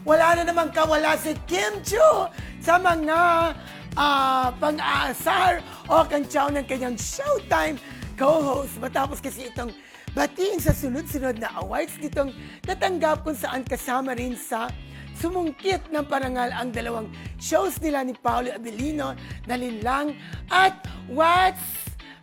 wala na namang kawala si Kim Chiu sa mga pang-aasar o kantsaw ng kanyang Showtime co-host. Matapos kasi itong batiin sa sunod-sunod na awards ditong natanggap kung saan kasama rin sa sumungkit ng parangal ang dalawang shows nila ni Paolo Abilino na Linlang at What's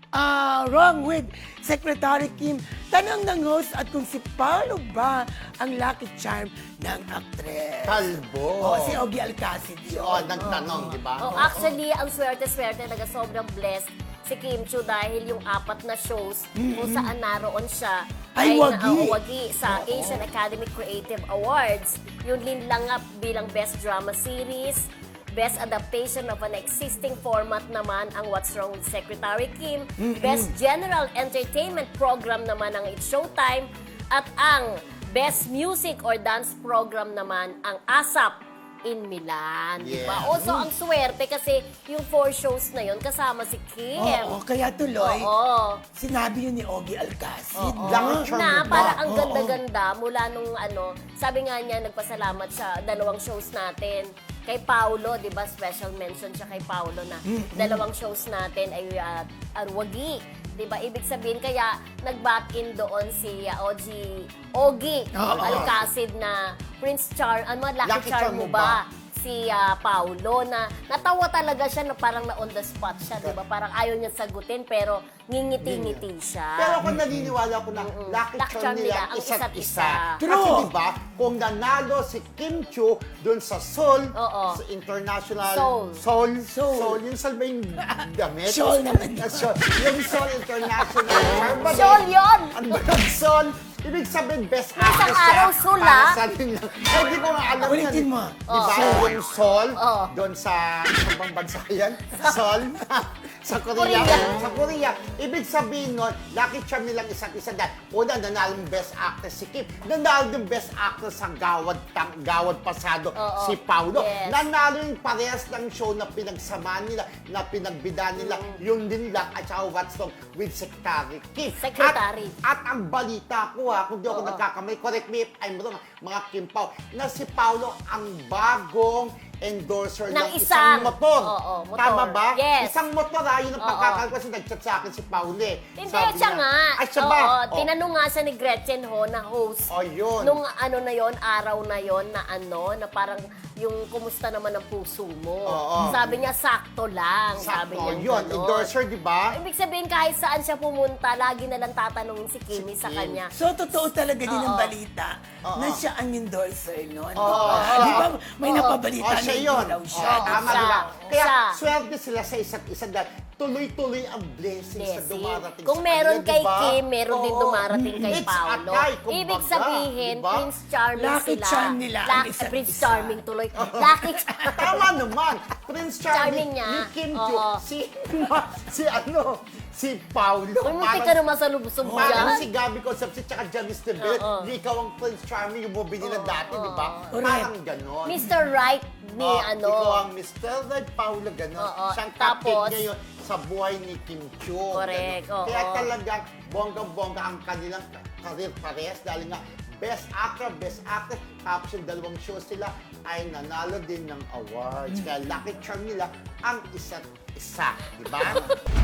Wrong with Secretary Kim. Tanong ng host at kung si Paolo ba ang lucky charm ng aktres. Kalbo. Si Ogie Alcacid yun. Nagtanong, di ba? Actually, ang swerte-swerte, sobrang blessed si Kim Chiu dahil yung 4 na shows kung saan naroon siya Ay, wagi. wagi sa Asian Academy Creative Awards. Yung Linlang bilang Best Drama Series, Best Adaptation of an Existing Format naman ang What's Wrong with Secretary Kim. Best General Entertainment Program naman ang It's Showtime. At ang Best Music or Dance Program naman ang ASAP in Milan. Yeah. Diba? Also, ang swerte kasi yung 4 shows na yon kasama si Kim. Oo, kaya tuloy, Oo. sinabi yun ni Ogie Alcacid. Lucky charm Na mo ba? para ang Oo. ganda-ganda mula nung sabi nga niya, nagpasalamat siya 2 shows natin kay Paolo, 'di ba? Special mention siya kay Paolo na 2 shows natin ay wagi. 'Di ba? Ibig sabihin kaya nag-back in doon si Ogie Oo. Alcacid na Prince Lucky Lucky Charm mo ba? Si Paolo na natawa talaga siya na parang na on the spot siya, 'di ba? Parang ayaw niya sagutin pero ngingiti-ngiti siya. Pero ako naniniwala ko na lucky Lucky charm charm nila nila ang ang isa't isa't isa. isa. True. Kasi diba, kung nanalo si Kim Chiu dun sa Seoul, Oo. sa international... Seoul. Seoul. Yung Seoul ba yung damit? Seoul naman. Seoul. Yung Seoul International. Charm Seoul yun! Ano ba yung Seoul? Ibig sabihin, best Isang actress araw, siya Seoul, para ah. sa nila. Ay, di ko nga alam yan. Ulitin mo. Diba? Yung Seoul, Oo. doon sa bang bansa yan? Seoul? Sa Korea. Korea. Sa Korea. Ibig sabihin nun, lucky charm nilang isa't isa dahil una, nanalo yung best actress si Kim. Nanalo yung best actress sa Gawad Pasado Oo. si Paulo. Yes. Nanalo yung parehas ng show na pinagsamaan nila, na pinagbida nila, yung Linlang at saka What's Wrong with Secretary Kim. Secretary. At ang balita ko kung di ako nagkakamali, correct me if I'm wrong, mga Kim Pao, na si Paulo ang bagong endorser ng isang motor. Oo, motor. Tama ba? Yes. Isang motor yun ang pagkakal kasi nag-chat sa akin si Paulo eh. Hindi, Sabi siya niya, nga. Ay, siya ba? Oo, tinanong nga siya ni Gretchen Ho na host. Oh, yun. Nung araw na yon na parang yung kumusta naman ang puso mo. Oo. Sabi niya, sakto lang. Sabi Sakto, niya yun. Endorser, di ba? Ibig sabihin, kahit saan siya pumunta, lagi na lang tatanungin si Kimi sa Kim. kanya. So, totoo talaga din ang Oo. balita na siya ang endorser noon. Oo. Di ba? May napabalita na siya hindi yun. daw siya. Tama, Siya. di ba? Kaya Siya. swerte sila sa isa't isa dahil tuloy-tuloy ang blessings na Blessing. dumarating Kung sa meron kanila, kay di ba? Kim, meron din Oo. dumarating kay It's Paolo. atay, kumbaga, Ibig sabihin, di ba? Prince Charming Lucky sila. charm nila ang isa't Prince isa. Charming tuloy. Lucky Tama naman. Prince Charming Charming niya. ni Kim Chiu. Oo. Si Paulo. Uy, munti ka naman sa lubsob Parang dyan. si Gabby Concepcion tsaka Janice Tebel, Oo. di ikaw ang Prince Charming yung movie nila dati, di ba? Correct. Parang ganon. Mr. Right ni Ikaw ang Mr. Red Paulo, ganon. Oo. Siyang Tapos, cupcake ngayon sa buhay ni Kim Chiu. Correct, ganon. oo. Kaya talagang bonggang-bongga ang kanilang career parehas dahil nga Best Actor, Best Actress, tapos yung 2 shows sila ay nanalo din ng awards. Kaya lucky charm nila ang isa't isa, di ba?